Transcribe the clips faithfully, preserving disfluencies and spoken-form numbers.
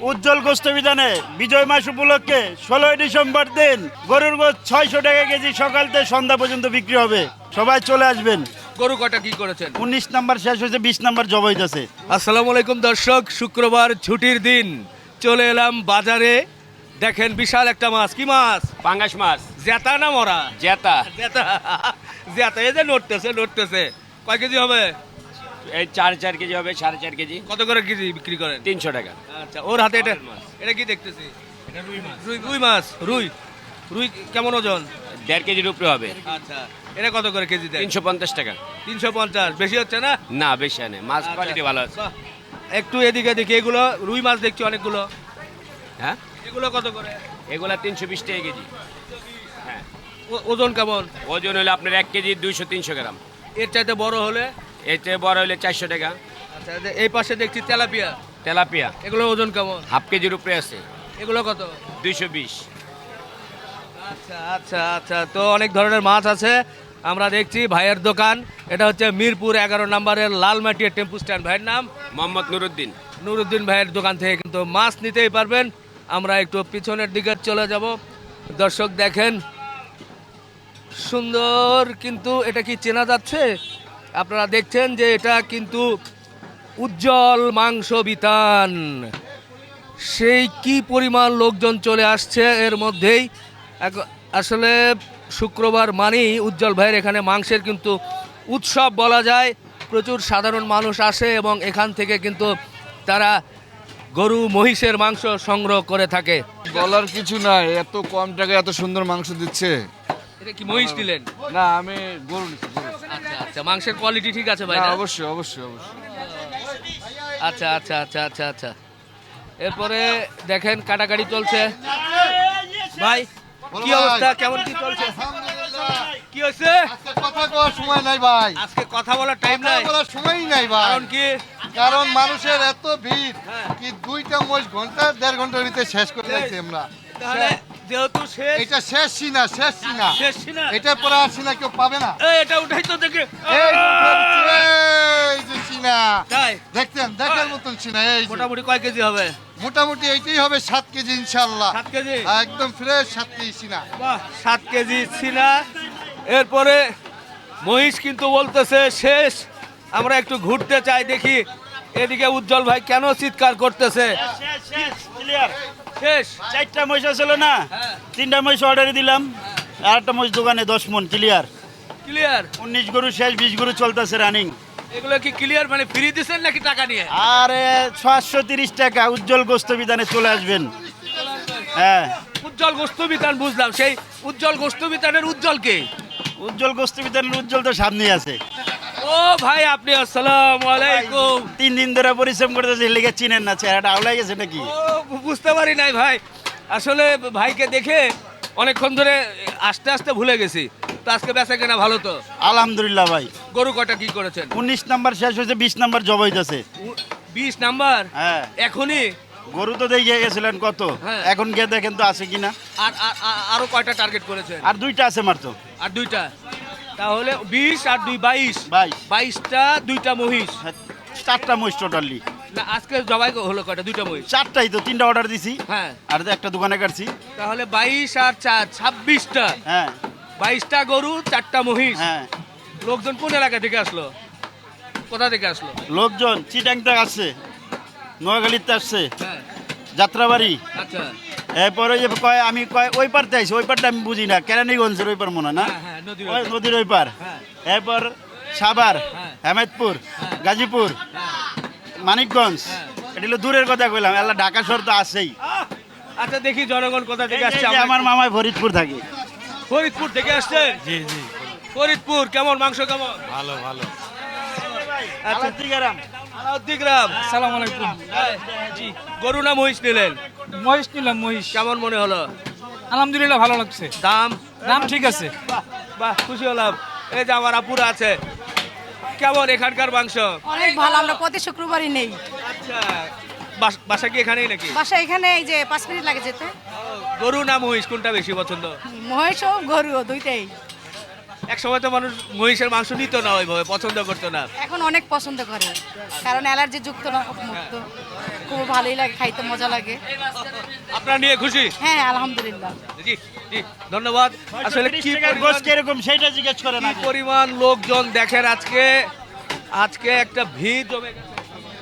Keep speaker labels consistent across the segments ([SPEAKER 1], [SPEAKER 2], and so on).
[SPEAKER 1] উজ্জ্বল গোস্ত বিধানে বিজয় মাস উপলক্ষে ষোলোই ডিসেম্বর দিন গরুর গোস্ত ছয়শো টাকা কেজি সকাল থেকে সন্ধ্যা পর্যন্ত বিক্রি হবে। সবাই চলে আসবেন।
[SPEAKER 2] গরু কটা কি করেছেন?
[SPEAKER 1] উনিশ নাম্বার শেষ হয়েছে, বিশ নাম্বার জব হইতেছে।
[SPEAKER 2] আসসালামু আলাইকুম দর্শক, শুক্রবার ছুটির দিন চলে এলাম বাজারে। দেখেন বিশাল একটা মাছ। কি মাছ?
[SPEAKER 3] পাঙ্গাস মাছ।
[SPEAKER 2] জেতা না মরা?
[SPEAKER 3] জেতা।
[SPEAKER 2] জেতা। জেতা এই যে নড়তেছে নড়তেছে। কয় কেজি হবে?
[SPEAKER 3] এই চার চার কেজি হবে, সাড়ে চার কেজি।
[SPEAKER 2] কত করে কেজি বিক্রি করেন?
[SPEAKER 3] তিনশো টাকা।
[SPEAKER 2] আচ্ছা, ওর হাতে এটা এটা কি দেখতেছি? এটা রুই মাছ। রুই রুই মাছ। রুই রুই কেমন ওজন?
[SPEAKER 3] দেড় কেজির উপরে হবে।
[SPEAKER 2] আচ্ছা, এটা কত করে কেজি দেয়?
[SPEAKER 3] তিনশো পঞ্চাশ টাকা।
[SPEAKER 2] তিনশো পঞ্চাশ। বেশি হচ্ছে না?
[SPEAKER 3] না বেশি নেই, মাছ
[SPEAKER 2] আচ্ছা,
[SPEAKER 3] কোয়ালিটি ভালো আছে।
[SPEAKER 2] বাহ। একটু এদিকে দেখি, এগুলো রুই মাছ দেখছি অনেকগুলো।
[SPEAKER 3] হ্যাঁ,
[SPEAKER 2] এগুলো কত করে?
[SPEAKER 3] এগুলা তিনশো বিশ টাকা কেজি। হ্যাঁ,
[SPEAKER 2] ও- ওজন কেমন?
[SPEAKER 3] ওজন হলে আপনার এক কেজি দুইশো তিনশো গ্রাম।
[SPEAKER 2] এর চাইতে বড় হলে?
[SPEAKER 3] এর চেয়ে বড় হলে চারশো টাকা।
[SPEAKER 2] আচ্ছা, যে এই পাশে দেখছি তেলাপিয়া।
[SPEAKER 3] তেলাপিয়া
[SPEAKER 2] এগুলো ওজন কেমন?
[SPEAKER 3] হাফ কেজির উপরে আছে,
[SPEAKER 2] এগুলো কত?
[SPEAKER 3] দুইশো বিশ।
[SPEAKER 2] আচ্ছা আচ্ছা আচ্ছা, তো অনেক ধরনের মাছ আছে। আমরা দেখছি ভাইয়ের দোকান, এটা হচ্ছে মিরপুর এগারো নম্বরের লালমাটিয়া টেম্পু স্ট্যান্ড। ভাইয়ের নাম
[SPEAKER 3] মোহাম্মদ নুরুদ্দিন।
[SPEAKER 2] নুরুদ্দিন ভাইয়ের দোকান থেকে কিন্তু মাছ নিতেই পারবেন। আমরা একটু পিছনের দিকে চলে যাব। দর্শক দেখেন, সুন্দর কিন্তু এটা কি চেনা যাচ্ছে? আপনারা দেখছেন যে এটা কিন্তু উজ্জ্বল মাংস বিতান। সেই কি পরিমাণ লোকজন চলে আসছে এর মধ্যেই। এক- আসলে শুক্রবার মানেই উজ্জ্বল ভাইয়ের এখানে মাংসের কিন্তু উৎসব বলা যায়। প্রচুর সাধারণ মানুষ আসে এবং এখান থেকে কিন্তু তারা গরু মহিষের মাংস সংগ্রহ করে থাকে।
[SPEAKER 4] বলার কিছু নাই, এত কম টাকায় এত সুন্দর মাংস দিচ্ছে।
[SPEAKER 2] এটা কি মহিষ নিলেন?
[SPEAKER 4] না, আমি গরু নিচ্ছি, গরু।
[SPEAKER 2] আচ্ছা আচ্ছা, মাংসের কোয়ালিটি ঠিক আছে ভাই?
[SPEAKER 4] না,
[SPEAKER 2] না?
[SPEAKER 4] অবশ্যই অবশ্যই অবশ্যই।
[SPEAKER 2] আচ্ছা আচ্ছা আচ্ছা আচ্ছা আচ্ছা। এরপরে দেখেন কাটাকাটি চলছে। ভাই কি অবস্থা, কেমন কি চলছে? কি হয়েছে?
[SPEAKER 5] আজকে কথা কওয়ার সময় নাই ভাই,
[SPEAKER 2] আজকে কথা বলার টাইম
[SPEAKER 5] কথা
[SPEAKER 2] নাই।
[SPEAKER 5] বলার সময়ই নাই ভাই।
[SPEAKER 2] কারণ কি?
[SPEAKER 5] কারণ মানুষের এত ভিড়,
[SPEAKER 2] হ্যাঁ।
[SPEAKER 5] কি দুইটা মোষ ঘন্টা দেড় ঘন্টার ভিতরে শেষ করে দিয়েছি আমরা।
[SPEAKER 2] তাহলে যেহেতু শেষ,
[SPEAKER 5] এটা শেষ সিনা, শেষ সিনা,
[SPEAKER 2] শেষ না।
[SPEAKER 5] এটা পরে আর সিনা কেউ পাবে না।
[SPEAKER 2] এই এটা উঠাই তো দেখে।
[SPEAKER 5] এই যে উঠে, এই যে সিনা
[SPEAKER 2] তাই
[SPEAKER 5] দেখতেন, দেখার মতন সিনা। এই যে
[SPEAKER 2] মোটামুটি কয় কেজি হবে?
[SPEAKER 5] মোটামুটি এইটাই হবে সাত কেজি ইনশাল্লাহ।
[SPEAKER 2] সাত কেজি।
[SPEAKER 5] একদম ফ্রেশ সাত কেজি সিনা।
[SPEAKER 2] বাহ, সাত কেজি ছিনা। এরপরে মহিষ কিন্তু বলতেছে শেষ। আমরা একটু ঘুরতে চাই, দেখি এদিকে উজ্জ্বল ভাই কেন চিৎকার করতেছে। শেষ।
[SPEAKER 1] চারটা মহিষ ছিল না,
[SPEAKER 2] হ্যাঁ।
[SPEAKER 1] তিনটা মহিষ অর্ডারে দিলাম, আর একটা মহিষ দোকানে দশ মন ক্লিয়ার।
[SPEAKER 2] ক্লিয়ার।
[SPEAKER 1] উনিশ গরু শেষ, বিশ গরু চলতেছে রানিং।
[SPEAKER 2] এগুলো কি ক্লিয়ার মানে ফ্রি দিচ্ছেন নাকি টাকা নিয়ে?
[SPEAKER 1] আরে ছশো তিরিশ টাকা উজ্জ্বল গোস্ত বিধানে চলে আসবেন। হ্যাঁ,
[SPEAKER 2] উজ্জ্বল গোস্ত বিতান বুঝলাম, সেই উজ্জ্বল গোস্ত বিতানের উজ্জ্বল কে?
[SPEAKER 1] উজ্জ্বল গোস্ত বিধানের উজ্জ্বল তো সামনে আছে।
[SPEAKER 2] ও ভাই আপনি, আসসালামু আলাইকুম।
[SPEAKER 1] তিন দিন ধরে পরিশ্রম করতেছে, লেগে চিনেন না, চেহারাটা আওলাই গেছে নাকি?
[SPEAKER 2] ও বুঝতে পারি নাই ভাই, আসলে ভাইকে দেখে অনেকক্ষণ ধরে আস্তে আস্তে ভুলে গেছি। তো আজকে বেচা কেনা ভালো তো?
[SPEAKER 1] আলহামদুলিল্লাহ ভাই।
[SPEAKER 2] গরু কটা কি করেছেন?
[SPEAKER 1] উনিশ নাম্বার শেষ হয়েছে, বিশ নাম্বার জব হইতেছে।
[SPEAKER 2] উ- বিশ নাম্বার।
[SPEAKER 1] হ্যাঁ,
[SPEAKER 2] এখনই?
[SPEAKER 1] গরু তো দেখে গেছিলেন কত,
[SPEAKER 2] হ্যাঁ।
[SPEAKER 1] এখন গিয়ে দেখেন তো আছে কিনা।
[SPEAKER 2] আর আর- আর- আরো কয়টা টার্গেট করেছেন?
[SPEAKER 1] আর দুইটা আছে মাত্র।
[SPEAKER 2] আর দুইটা, তাহলে বিশ আর দুই বাইশ।
[SPEAKER 1] বাইশ।
[SPEAKER 2] বাইশটা, দুইটা মহিষ।
[SPEAKER 1] হ্যাঁ, চারটা মহিষ টোটালি।
[SPEAKER 2] না আজকে জবাই হলো কয়টা? দুইটা মহিষ।
[SPEAKER 1] চারটাই তো, তিনটা অর্ডার দিছি
[SPEAKER 2] হ্যাঁ,
[SPEAKER 1] আর একটা দোকানে কাটছি।
[SPEAKER 2] তাহলে বাইশ আর চার ছাব্বিশটা।
[SPEAKER 1] হ্যাঁ
[SPEAKER 2] বাইশটা গরু, চারটা মহিষ।
[SPEAKER 1] হ্যাঁ,
[SPEAKER 2] লোকজন কোন এলাকা থেকে আসলো, কোথা থেকে আসলো?
[SPEAKER 1] লোকজন চিটাং থেকে আসছে, নোয়াখালীতে আসছে,
[SPEAKER 2] হ্যাঁ,
[SPEAKER 1] যাত্রাবাড়ি।
[SPEAKER 2] আচ্ছা।
[SPEAKER 1] এরপরে যে কয় আমি কয় ওই পারতে আইছি, ওই পারটা আমি বুঝি না, কেরানীগঞ্জের ওই পার মনে হয় না,
[SPEAKER 2] হ্যাঁ, হ্যাঁ, নদীর ওই
[SPEAKER 1] ওই
[SPEAKER 2] পার।
[SPEAKER 1] নদীর ওই পার।
[SPEAKER 2] হ্যাঁ।
[SPEAKER 1] এরপর সাভার,
[SPEAKER 2] হ্যাঁ।
[SPEAKER 1] হেমেদপুর,
[SPEAKER 2] হ্যাঁ।
[SPEAKER 1] গাজীপুর,
[SPEAKER 2] হ্যাঁ।
[SPEAKER 1] মানিকগঞ্জ।
[SPEAKER 2] হ্যাঁ।
[SPEAKER 1] এটা হলো দূরের কথা কইলাম, এলা ঢাকা শহর তো আছেই।
[SPEAKER 2] আহ! আচ্ছা দেখি জনগণ কোথা থেকে
[SPEAKER 1] এই
[SPEAKER 2] আসছে।
[SPEAKER 1] যে
[SPEAKER 2] আমরা
[SPEAKER 1] আমার
[SPEAKER 2] একটু-
[SPEAKER 1] মামায় ফরিদপুর থাকে।
[SPEAKER 2] ফরিদপুর থেকে আসছে?
[SPEAKER 1] জি জি,
[SPEAKER 2] ফরিদপুর কেমন মাংস কেমন?
[SPEAKER 1] ভালো ভালো।
[SPEAKER 2] আচ্ছা। আলাউদ্দিন গ্রাম।
[SPEAKER 6] আসসালামু আলাইকুম।
[SPEAKER 2] জি, গরু না মহিষ নিলেন?
[SPEAKER 6] মহিষ নিলাম, মহিষ।
[SPEAKER 2] কেমন মনে হলো?
[SPEAKER 6] আলহামদুলিল্লাহ ভালো লাগছে,
[SPEAKER 2] দাম?
[SPEAKER 6] দাম ঠিক আছে।
[SPEAKER 2] বাহ বাহ, খুশি হলাম। এই যে আমার আপুরা আছে, কেমন এখানকার মাংস?
[SPEAKER 7] অনেক ভালো, আমরা প্রতি শুক্রবারই নেই।
[SPEAKER 2] আচ্ছা, বাস- বাসা কি এখানেই নাকি?
[SPEAKER 7] বাসা এখানে, এই যে পাঁচ মিনিট লাগে যেতে।
[SPEAKER 2] গরু না মহিষ কোনটা বেশি পছন্দ?
[SPEAKER 7] মহেশ ও গরু দুইটাই।
[SPEAKER 2] এক সময় তো মানুষ মহিষের মাংস নিত না ওইভাবে, পছন্দ করতো না।
[SPEAKER 7] এখন অনেক পছন্দ করে কারণ অ্যালার্জি যুক্ত না মুক্ত খুব ভালোই লাগে, খাইতে মজা লাগে।
[SPEAKER 2] আপনারা নিয়ে খুশি?
[SPEAKER 7] হ্যাঁ আলহামদুলিল্লাহ।
[SPEAKER 2] জি জি ধন্যবাদ। আসলে
[SPEAKER 1] তিরিশ
[SPEAKER 2] কি
[SPEAKER 1] টাকার
[SPEAKER 2] পরিমাণ-
[SPEAKER 1] গোস কিরকম সেইটা জিজ্ঞেস করেন
[SPEAKER 2] কি
[SPEAKER 1] আগে।
[SPEAKER 2] পরিমাণ লোকজন দেখেন আজকে, আজকে একটা ভিড় জমে গেছে।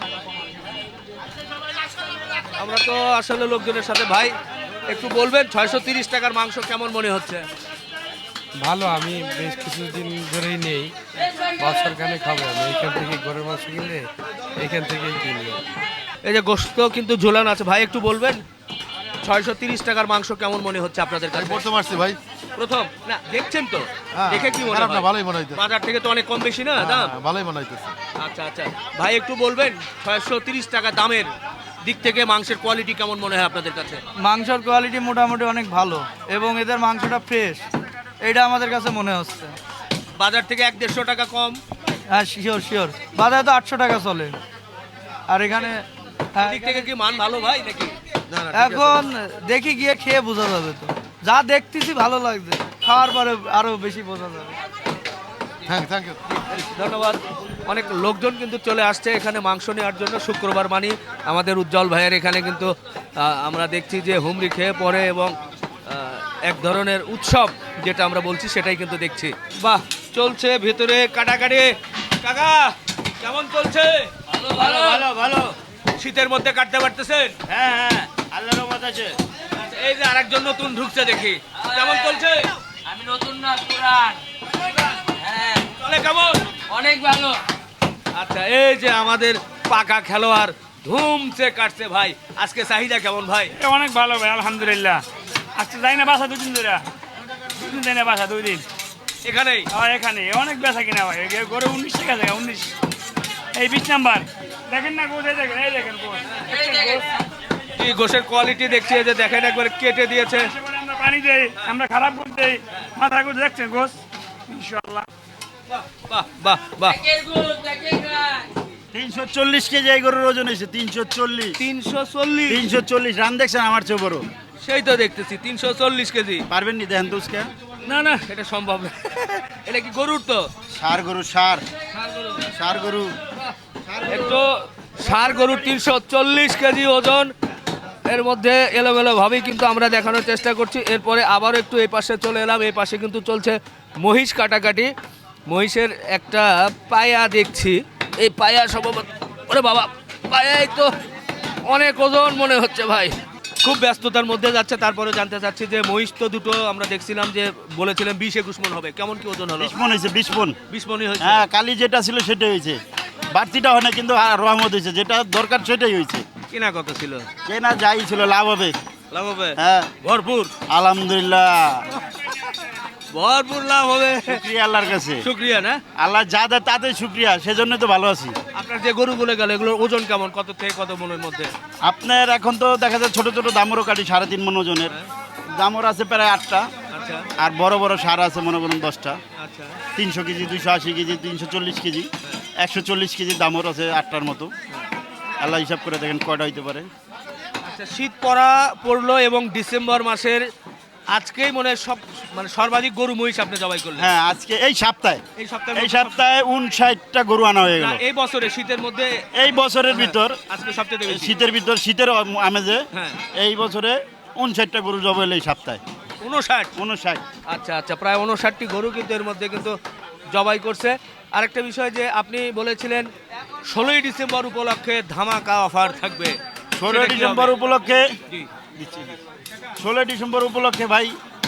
[SPEAKER 2] আমরা তো আসলে লোকজনের সাথে ভাই একটু বলবেন ছয়শো তিরিশ টাকার মাংস কেমন মনে হচ্ছে?
[SPEAKER 8] ভালো, আমি বেশ কিছুদিন ধরেই নেই, বছর খানে খাবো। আমি এইখান থেকে গরুর মাংস কিনলে এইখান থেকেই কিনবো।
[SPEAKER 2] এই যে গোশত কিন্তু ঝোলানো আছে, ভাই একটু বলবেন ছয়শো তিরিশ টাকার মাংস কেমন মনে হচ্ছে আপনাদের কাছে?
[SPEAKER 5] প্রথম আসছি ভাই।
[SPEAKER 2] প্রথম না দেখছেন তো,
[SPEAKER 5] হ্যাঁ,
[SPEAKER 2] দেখে কি মনে
[SPEAKER 5] খারাপ না,
[SPEAKER 2] হয়?
[SPEAKER 5] ভালোই মনে হইতেছে।
[SPEAKER 2] বাজার থেকে তো অনেক কম বেশি না দাম?
[SPEAKER 5] হ্যাঁ, ভালোই মনে হইতেছে।
[SPEAKER 2] আচ্ছা আচ্ছা ভাই একটু বলবেন ছয়শো তিরিশ টাকা দামের দিক থেকে মাংসের কোয়ালিটি কেমন মনে হয় আপনাদের কাছে?
[SPEAKER 9] মাংসের কোয়ালিটি মোটামুটি অনেক ভালো এবং এদের মাংসটা ফ্রেশ, এটা আমাদের কাছে মনে হচ্ছে।
[SPEAKER 2] বাজার থেকে এক দেড়শো টাকা কম?
[SPEAKER 9] হ্যাঁ শিওর শিওর, বাজারে তো আটশো টাকা চলে আর এখানে হ্যাঁ,
[SPEAKER 2] দিক থেকে কি মান ভালো ভাই নাকি?
[SPEAKER 9] এখন দেখি গিয়ে খেয়ে বোঝা যাবে। তো যা দেখতেছি ভালো লাগছে, খাওয়ার পরে আরো বেশি বোঝা যাবে।
[SPEAKER 5] Thank thank you.
[SPEAKER 2] ধন্যবাদ। অনেক লোকজন কিন্তু চলে আসছে এখানে মাংস নেওয়ার জন্য। শুক্রবার মানি আমাদের উজ্জ্বল ভাইয়ের এখানে কিন্তু আহ, আমরা দেখছি যে হুমড়ি খেয়ে পড়ে এবং আহ, এক ধরনের উৎসব যেটা আমরা বলছি সেটাই কিন্তু দেখছি। বাহ, চলছে ভেতরে কাটাকাটি। কাকা কেমন চলছে?
[SPEAKER 1] ভালো ভালো ভালো।
[SPEAKER 2] শীতের মধ্যে কাটতে পারতেছেন?
[SPEAKER 1] হ্যাঁ হ্যাঁ আল্লাহর রহমত আছে।
[SPEAKER 2] আচ্ছা, এই যে আরেকজন নতুন ঢুকছে দেখি, কেমন চলছে?
[SPEAKER 6] আমি নতুন না, পুরান। হ্যাঁ,
[SPEAKER 2] চলে কেমন?
[SPEAKER 6] অনেক ভালো।
[SPEAKER 2] আচ্ছা, এই যে আমাদের পাকা খেলোয়াড় ধুমছে কাটছে ভাই, আজকে চাহিদা কেমন ভাই?
[SPEAKER 6] এটা অনেক ভালো ভাই, আলহামদুলিল্লাহ। আজকে যাই না বাসা দুদিন ধরে, দুদিন যাই না বাসা, দুই দিন।
[SPEAKER 2] এখানেই
[SPEAKER 6] আর এখানে অনেক বেচা কিনা ভাই, গড়ে উনিশ টাকা জায়গা, উনিশ। এই বিশ নাম্বার দেখেন না গোছ, এই দেখেন, এই দেখেন গোছ।
[SPEAKER 2] এই গোশের কোয়ালিটি দেখছি, এই যে দেখেন একবারে কেটে দিয়েছে।
[SPEAKER 6] এবারে আমরা পানি দেই, আমরা খারাপ করে দেই, মাথা গোছ দেখছেন গোছ, ইনশাআল্লাহ।
[SPEAKER 2] বাহ বাহ বাহ,
[SPEAKER 1] তিনশো চল্লিশ কেজি এই গরুর ওজন হয়েছে, তিনশো চল্লিশ।
[SPEAKER 2] তিনশো চল্লিশ
[SPEAKER 1] তিনশো চল্লিশ রান দেখছেন আমার চেয়ে বড়।
[SPEAKER 2] সেই তো দেখতেছি তিনশো চল্লিশ কেজি।
[SPEAKER 1] পারবেন নি দেখেন তো উসকা?
[SPEAKER 2] না না, এটা সম্ভব না। এটা কি গরুর? তো
[SPEAKER 1] সার গরু, সার সার গরু।
[SPEAKER 2] একটু ষাঁড় গরুর তিনশো চল্লিশ কেজি ওজন। এর মধ্যে এলোমেলো ভাবেই কিন্তু আমরা দেখানোর চেষ্টা করছি। এরপরে আবারও একটু এই পাশে চলে এলাম, এই পাশে কিন্তু চলছে মহিষ কাটাকাটি। মহিষের একটা পায়া দেখছি, এই পায়া সম্ভবত, ওরে বাবা, পায়াই তো অনেক ওজন মনে হচ্ছে ভাই। খুব ব্যস্ততার মধ্যে যাচ্ছে, তারপরে জানতে চাচ্ছি যে মহিষ তো দুটো আমরা দেখছিলাম যে বলেছিলেন বিশ একুশ মন হবে, কেমন কি ওজন হলো?
[SPEAKER 1] বিশ মন হয়েছে, বিশ মন।
[SPEAKER 2] বিশ মনই হয়েছে?
[SPEAKER 1] হ্যাঁ, কালি যেটা ছিল সেটাই হয়েছে, বাড়তিটা হয় না, কিন্তু আর রহমত হয়েছে, যেটা দরকার সেটাই হয়েছে।
[SPEAKER 2] কিনা কত ছিল?
[SPEAKER 1] কেনা যাই ছিল, লাভ হবে।
[SPEAKER 2] লাভ হবে?
[SPEAKER 1] হ্যাঁ
[SPEAKER 2] ভরপুর
[SPEAKER 1] আলহামদুলিল্লাহ,
[SPEAKER 2] ভরপুর লাভ হবে।
[SPEAKER 1] শুক্রিয়া আল্লাহর কাছে।
[SPEAKER 2] শুক্রিয়া না,
[SPEAKER 1] আল্লাহ যা দেয় তাতে শুক্রিয়া, সেজন্য তো ভালো আছি।
[SPEAKER 2] আপনার যে গরুগুলো গেল এগুলোর ওজন কেমন, কত থেকে কত মনের মধ্যে?
[SPEAKER 1] আপনার এখন তো দেখা যায় ছোট ছোট দামরও কাটি, সাড়ে তিন মন ওজনের দামর আছে প্রায় আটটা,
[SPEAKER 2] আচ্ছা
[SPEAKER 1] আর বড় বড় সার আছে মনে করুন দশটা।
[SPEAKER 2] আচ্ছা
[SPEAKER 1] তিনশো কেজি, দুইশো আশি কেজি, তিনশো চল্লিশ কেজি, একশো চল্লিশ কেজি দামর আছে আটটার মতো। আল্লাহ হিসাব করে দেখেন কয়টা হইতে পারে।
[SPEAKER 2] আচ্ছা, শীত পড়া পড়লো এবং ডিসেম্বর মাসের আজকেই মনে হয় সব মানে সর্বাধিক গরু মহিষ আপনি জবাই করলেন।
[SPEAKER 1] হ্যাঁ, আজকে এই সপ্তাহে
[SPEAKER 2] এই সপ্তাহে
[SPEAKER 1] এই সপ্তাহে উনষাটটা গরু আনা হয়ে গেল।
[SPEAKER 2] এই বছরে শীতের মধ্যে
[SPEAKER 1] এই বছরের ভিতর,
[SPEAKER 2] আজকে সবচেয়ে বেশি।
[SPEAKER 1] শীতের ভিতর, শীতের আমেজে
[SPEAKER 2] হ্যাঁ।
[SPEAKER 1] এই বছরে উনষাটটা গরু জবাই হলো এই সপ্তাহে।
[SPEAKER 2] উনষাট?
[SPEAKER 1] উনষাট।
[SPEAKER 2] আচ্ছা আচ্ছা, প্রায় উনষাটটি গরু কিন্তু এর মধ্যে কিন্তু জবাই করছে। আরেকটা বিষয় যে আপনি বলেছিলেন ষোলোই ডিসেম্বর উপলক্ষে ধামাকা অফার থাকবে।
[SPEAKER 1] ষোলোই
[SPEAKER 2] সেটা কি
[SPEAKER 1] ডিসেম্বর
[SPEAKER 2] হবে?
[SPEAKER 1] উপলক্ষে
[SPEAKER 2] জি।
[SPEAKER 1] ষোলোই ডিসেম্বর উপলক্ষে ভাই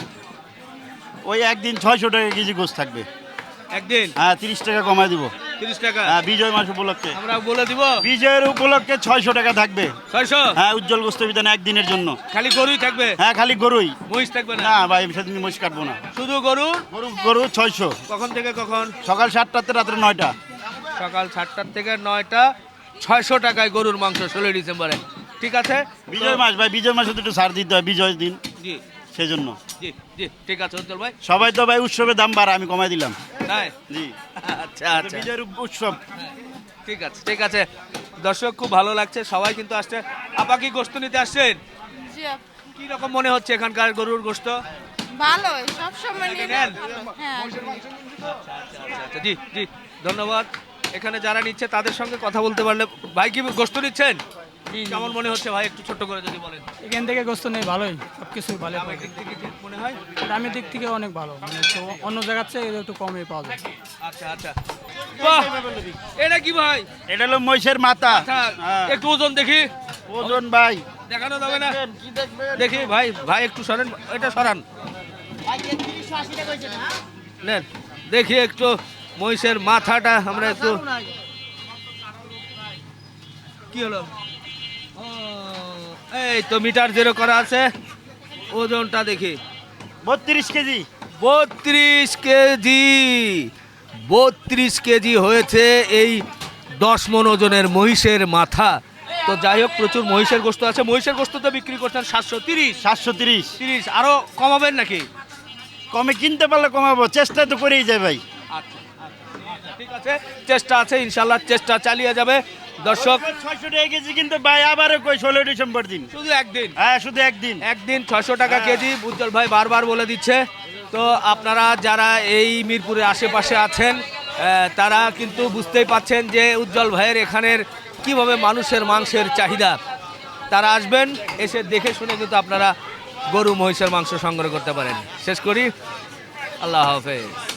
[SPEAKER 1] ওই একদিন ছয়শো টাকা কেজি গোস থাকবে।
[SPEAKER 2] একদিন
[SPEAKER 1] হ্যাঁ, তিরিশ টাকা কমায় দিব।
[SPEAKER 2] তিরিশ টাকা?
[SPEAKER 1] হ্যাঁ, বিজয় মাস উপলক্ষে
[SPEAKER 2] আমরা বলে দিব
[SPEAKER 1] বিজয়ের উপলক্ষে ছয়শো টাকা থাকবে।
[SPEAKER 2] ছয়শো?
[SPEAKER 1] হ্যাঁ, উজ্জ্বল গোস্ত বিধান একদিনের জন্য।
[SPEAKER 2] খালি গরুই থাকবে?
[SPEAKER 1] হ্যাঁ, খালি গরুই,
[SPEAKER 2] মহিষ থাকবে না?
[SPEAKER 1] না ভাই সেদিন মহিষ কাটবো না,
[SPEAKER 2] শুধু গরু?
[SPEAKER 1] গরু গরু ছয়শো।
[SPEAKER 2] কখন থেকে কখন?
[SPEAKER 1] সকাল সাতটাতে রাত্রে নয়টা।
[SPEAKER 2] সকাল সাতটার থেকে নয়টা, ছয়শো টাকায় গরুর মাংস ষোলোই ডিসেম্বরে। ঠিক আছে,
[SPEAKER 1] বিজয় মাস ভাই, বিজয় মাসে তো একটু ছাড় দিতে হয় বিজয় দিন,
[SPEAKER 2] জি
[SPEAKER 1] সেই জন্য।
[SPEAKER 2] জি জি, ঠিক আছে উজ্জ্বল ভাই।
[SPEAKER 1] সবাই তো ভাই উৎসবের দাম বাড়া, আমি কমাই দিলাম।
[SPEAKER 2] তাই?
[SPEAKER 1] জি,
[SPEAKER 2] আচ্ছা
[SPEAKER 1] এটা
[SPEAKER 2] আচ্ছা,
[SPEAKER 1] বিজয়ের উৎসব।
[SPEAKER 2] ঠিক আছে ঠিক আছে। দর্শক খুব ভালো লাগছে, সবাই কিন্তু আসছে। আপা কি গোস্ত নিতে আসছেন? কি রকম মনে হচ্ছে এখানকার গরুর গোস্ত?
[SPEAKER 7] ভালো সব সময় নিয়ে
[SPEAKER 2] নেন?
[SPEAKER 7] হ্যাঁ
[SPEAKER 2] আচ্ছা জি জি ধন্যবাদ। এখানে যারা নিচ্ছে তাদের সঙ্গে কথা বলতে পারলে, ভাই কি গোস্ত নিচ্ছেন? কেমন মনে হচ্ছে ভাই, একটু ছোট্ট করে যদি বলেন।
[SPEAKER 10] এখান থেকে গোস্ত নেই ভালোই, সব কিছুই ভালো
[SPEAKER 2] দামের দিক থেকে কি মনে হয়?
[SPEAKER 10] দামের দিক থেকে অনেক ভালো, মানে একটু অন্য জায়গার চেয়ে একটু কমে পাওয়া যায়।
[SPEAKER 2] আচ্ছা আচ্ছা বাহ, এটা কি ভাই?
[SPEAKER 1] এটা হলো মহিষের মাথা।
[SPEAKER 2] আচ্ছা
[SPEAKER 1] হ্যাঁ।
[SPEAKER 2] একটু ওজন দেখি,
[SPEAKER 1] ওজন ভাই
[SPEAKER 2] দেখানো যাবে না? দেখি ভাই, ভাই একটু সরান, এটা সরান নেন, দেখি একটু মহিষের মাথাটা আমরা একটু। কি হলো? ও, এই তো মিটার জিরো করা আছে, ওজনটা দেখি
[SPEAKER 1] বত্রিশ কেজি।
[SPEAKER 2] বত্রিশ কেজি বত্রিশ কেজি হয়েছে এই দশ মন ওজনের মহিষের মাথা। তো যাই হোক, প্রচুর মহিষের গোস্ত আছে। মহিষের গোস্ত তো বিক্রি করছেন সাতশো তিরিশ
[SPEAKER 1] সাতশো তিরিশ।
[SPEAKER 2] তিরিশ আরো কমাবেন নাকি?
[SPEAKER 1] কমে কিনতে পারলে কমাবো, চেষ্টা তো করেই যায় ভাই।
[SPEAKER 2] আচ্ছা আচ্ছা, ঠিক আছে, চেষ্টা আছে, ইনশাল্লাহ চেষ্টা চালিয়ে যাবে। দর্শক
[SPEAKER 1] ছয়শো টাকা কেজি কিন্তু ভাই আবারও কই ষোলোই ডিসেম্বর দিন।
[SPEAKER 2] শুধু একদিন,
[SPEAKER 1] হ্যাঁ শুধু একদিন।
[SPEAKER 2] একদিন ছয়শো টাকা কেজি উজ্জ্বল ভাই বারবার বলে দিচ্ছে। তো আপনারা যারা এই মিরপুরের আশেপাশে আছেন আহ, তারা কিন্তু বুঝতেই পাচ্ছেন যে উজ্জ্বল ভাইয়ের এখানের কিভাবে মানুষের মাংসের চাহিদা। তারা আসবেন, এসে দেখে শুনে কিন্তু আপনারা গরু মহিষের মাংস সংগ্রহ করতে পারেন। শেষ করি, আল্লাহ হাফেজ।